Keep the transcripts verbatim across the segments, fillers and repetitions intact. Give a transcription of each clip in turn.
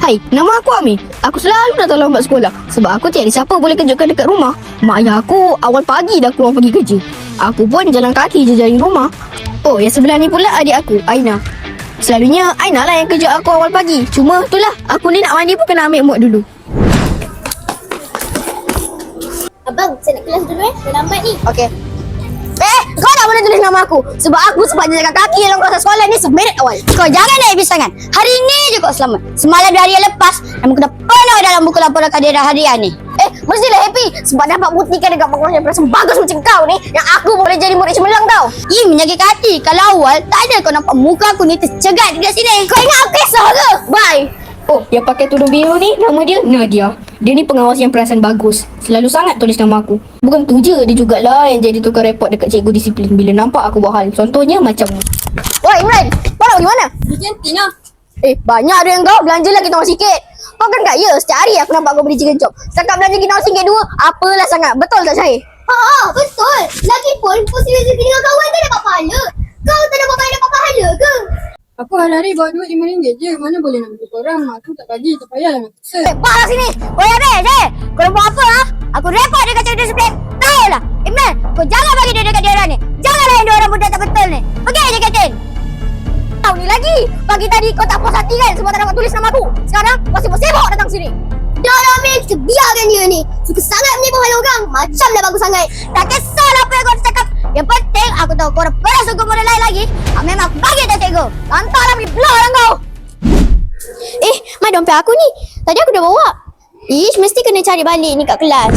Hai, nama aku Ami. Aku selalu datang lambat sekolah sebab aku tiada siapa boleh kejutkan dekat rumah. Mak ayah aku awal pagi dah keluar pergi kerja. Aku pun jalan kaki je dari rumah. Oh, yang sebelah ni pula adik aku, Aina. Selalunya Aina lah yang kejut aku awal pagi. Cuma itulah, aku ni nak mandi pun kena ambil mood dulu. Abang, saya nak kelas dulu eh. Dah lambat ni. Okey. Eh, kau tak boleh tulis nama aku. Sebab aku sempat jalan kaki dalam kelas sekolah ni seminit awal. Kau jangan nak habis sangat. Hari ni je kau selamat. Semalam dan hari yang lepas, nama aku dah penuh dalam buku laporan kaderan harian ni. Eh, mestilah happy sebab dapat buktikan dekat Pak Kuasa perasaan bagus macam kau ni yang aku boleh jadi murid cemerlang tau. Ih, menyakitkan hati. Kalau awal, tak ada kau nampak muka aku ni tercegat dekat sini. Kau ingat aku kisah ke? Bye. Oh, yang pakai tudung biru ni nama dia Nadia. Dia ni pengawas yang perasan bagus. Selalu sangat tulis nama aku. Bukan tu je, dia jugalah yang jadi tukar report dekat cikgu disiplin bila nampak aku buat hal. Contohnya macam ni. Woi Imran, kau nak pergi mana? Di kantin lah. Eh, banyak ada yang kau. Belanja lagi kita orang sikit. Kau kan kaya? Setiap hari aku nampak kau beli chicken chop. Setakat belanja kita orang sikit dua, apalah sangat. Betul tak Syahir? Haa, betul. Lagipun, posisi rezeki dengan kawan tak dapat pahala. Kau tak dapat pahala dapat pahala ke? Aku hari-hari bawa duit lima ringgit je. Mana boleh nak bagi korang? Mak aku tak bagi. Tak payahlah nak paksa. Eh, parah sini. Oi, Abel, Syahir. Kau nak buat apa, ha? Aku report dekat cikgu disiplin. Tahu lah. Imran, kau jangan bagi dia dekat dia orang ni. Jangan layan dia orang budak tak betul ni. Pergi je kantin. Tahu ni lagi. Pagi tadi kau tak puas hati kan sebab tak dapat tulis nama aku. Sekarang kau sibuk-sibuk datang sini. Dah lah, Mel. Kita biarkan dia ni. Suka sangat menipu hal orang. Macam dah bagus sangat. Tak kisahlah apa yang kau cakap. Yang penting aku tahu kau dah pernah sungguh model lain lagi. Ah, memang aku bagi dah cikgu. Lantarlah pergi belah lah kau. Eh, Mai dompet aku ni. Tadi aku dah bawa. Ish, mesti kena cari balik ni kat kelas.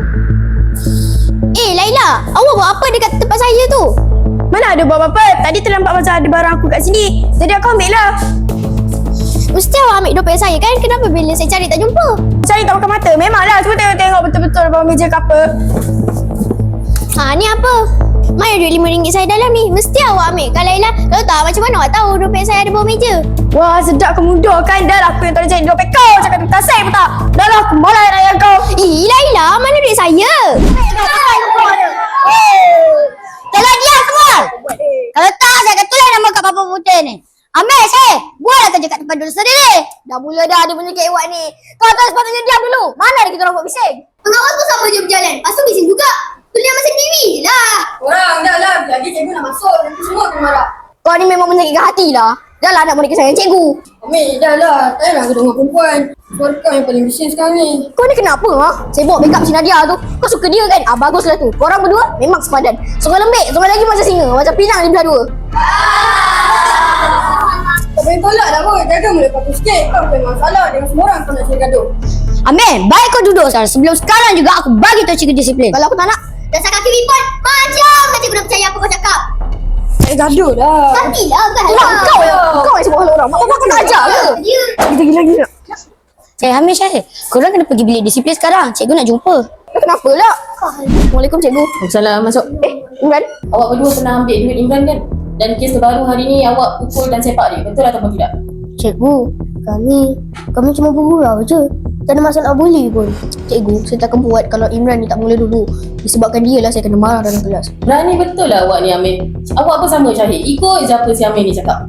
Eh, Laila. Awak buat apa dekat tempat saya tu? Mana ada buat apa-apa? Tadi terlambat pasal ada barang aku kat sini. Jadi aku ambil lah. Mesti awak ambil dompet saya kan? Kenapa bila saya cari tak jumpa? Cari tak pakai mata. Memanglah. Cuba tengok-tengok betul-betul bawah meja ke apa. Ha, ni apa? Mai ada duit lima ringgit saya dalam ni. Mesti awak ambil kan Laila? Kalau tak, macam mana awak tahu dompet saya ada bawah meja? Wah, sedap ke mudah kan? Dah lah aku yang tak boleh cari dompet kau. Cakap tu tak say pun tak. Dah lah aku malah nak ayah kau. Ih, Laila, mana duit saya? Kalau dia semua. Kalau tak, saya akan tulis nama kat papan putih ni. Ambil saya. Buatlah kerja kat tempat duduk sendiri. Dah mula dah dia punya kewak ni. Kau tak sepatutnya diam dulu. Mana ada kita orang buat bising? Pengawas pun sama je berjalan. Lepas tu bising juga. Tulis nama sendiri lah. Orang dah lah. Lagi cikgu nak masuk. Nanti semua tu marah. Kau ni memang menyakitkan hati lah. Dah lah nak boleh kesayangan cikgu. Ambil dah lah. Tak payah aku dengar perempuan. Suara kau yang paling bising sekarang ni. Kau ni kenapa ha? Saya bawa backup si Nadia tu. Kau suka dia kan? Ah, baguslah tu. Korang berdua memang sepadan. Seorang lembik, seorang lagi macam singa. Macam pinang di belah dua. Tak boleh tolak dah pun. Jaga boleh patuh sikit. Kau bukan masalah. Dengan semua orang kau nak cari gaduh. Ambil, baik kau duduk sekarang. Sebelum sekarang juga aku bagi tahu cikgu disiplin. Kalau aku tak nak, Dasar kaki lipat. Macam tak cikgu dah percaya apa kau cakap. Cari gaduh dah. Nantilah kan. orang kau yang kau yang sebut hal orang. Mak bapak kau nak ajar ke? Dia. Kita gila-gila. Eh, Hamid Syahir. Korang kena pergi bilik disiplin sekarang. Cikgu nak jumpa. Eh, kenapa lah? Assalamualaikum cikgu. Salam, masuk. Eh, Imran. Awak berdua pernah ambil duit Imran kan? Dan kes terbaru hari ni awak pukul dan sepak dia. Betul ataupun tidak? Cikgu, kami kami cuma bergurau je. Tak ada masalah bully pun. Cikgu, saya takkan buat kalau Imran ni tak mula dulu. Disebabkan dia lah saya kena marah dalam kelas. Berani betul lah awak ni Amir. Awak pun sama Syahid. Ikut je apa si Amir ni cakap.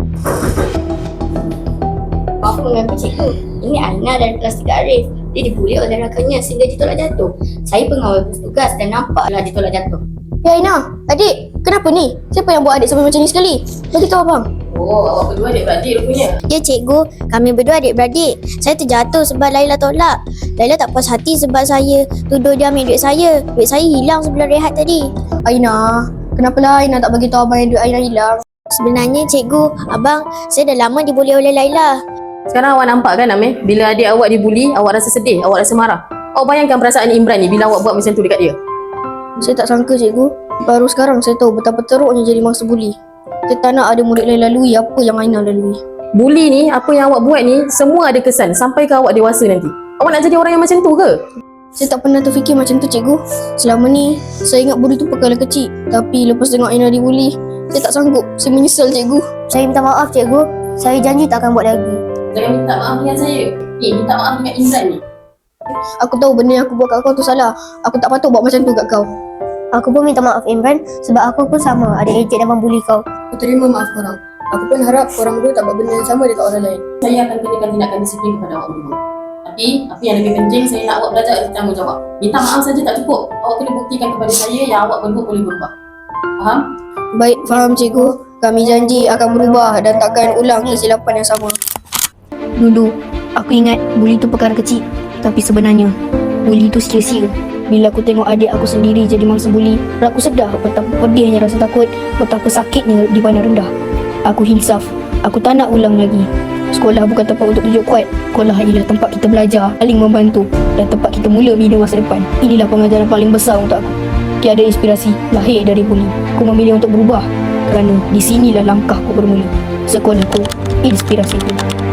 Aku mengaku cikgu. Ini Aina dari kelas tiga Arif. Dia dibuli oleh rakannya sehingga ditolak jatuh. Saya pengawal bertugas dan nampaklah ditolak jatuh. Ya Aina, adik, kenapa ni? Siapa yang buat adik sampai macam ni sekali? Bagi tahu abang. Oh, awak berdua adik-beradik rupanya. Ya cikgu, kami berdua adik-beradik. Saya terjatuh sebab Laila tolak. Laila tak puas hati sebab saya tuduh dia ambil duit saya. Duit saya hilang sebelum rehat tadi. Aina, kenapalah Aina tak bagi tahu abang yang duit Aina hilang? Sebenarnya cikgu, abang, saya dah lama dibuli oleh Laila. Sekarang awak nampak kan Amir? Bila adik awak dibuli, awak rasa sedih, awak rasa marah. Awak bayangkan perasaan Imran ni bila awak buat macam tu dekat dia. Saya tak sangka cikgu. Baru sekarang saya tahu betapa teruknya jadi mangsa buli. Saya tak nak ada murid lain lalui apa yang Aina lalui. Buli ni, apa yang awak buat ni, semua ada kesan sampai ke awak dewasa nanti. Awak nak jadi orang yang macam tu ke? Saya tak pernah terfikir macam tu cikgu. Selama ni, saya ingat buli tu perkara kecil. Tapi lepas tengok Aina dibuli, saya tak sanggup. Saya menyesal cikgu. Saya minta maaf cikgu. Saya janji tak akan buat lagi. Jangan minta maaf dengan saya. Eh, minta maaf dengan Imran ni. Aku tahu benda yang aku buat kat kau tu salah. Aku tak patut buat macam tu kat kau. Aku pun minta maaf Imran sebab aku pun sama ada ejek dan membuli kau. Aku terima maaf korang. Aku pun harap korang berdua tak buat benda yang sama dekat orang lain. Saya akan kenakan tindakan disiplin kepada awak berdua. Tapi, apa yang lebih penting, saya nak awak belajar ada tanggungjawab. Minta maaf saja tak cukup. Awak kena buktikan kepada saya yang awak berdua boleh berubah. Faham? Baik, faham cikgu. Kami janji akan berubah dan takkan ulang kesilapan yang sama. Dulu, aku ingat buli tu perkara kecil. Tapi sebenarnya, buli tu sia-sia. Bila aku tengok adik aku sendiri jadi mangsa buli, aku sedar betapa pedihnya rasa takut, betapa sakitnya dipandang rendah. Aku insaf. Aku tak nak ulang lagi. Sekolah bukan tempat untuk tunjuk kuat. Sekolah ialah tempat kita belajar, saling membantu dan tempat kita mula bina masa depan. Inilah pengajaran paling besar untuk aku. Tiada inspirasi lahir dari buli. Aku memilih untuk berubah kerana di sinilah langkahku bermula. Sekolahku, inspirasiku.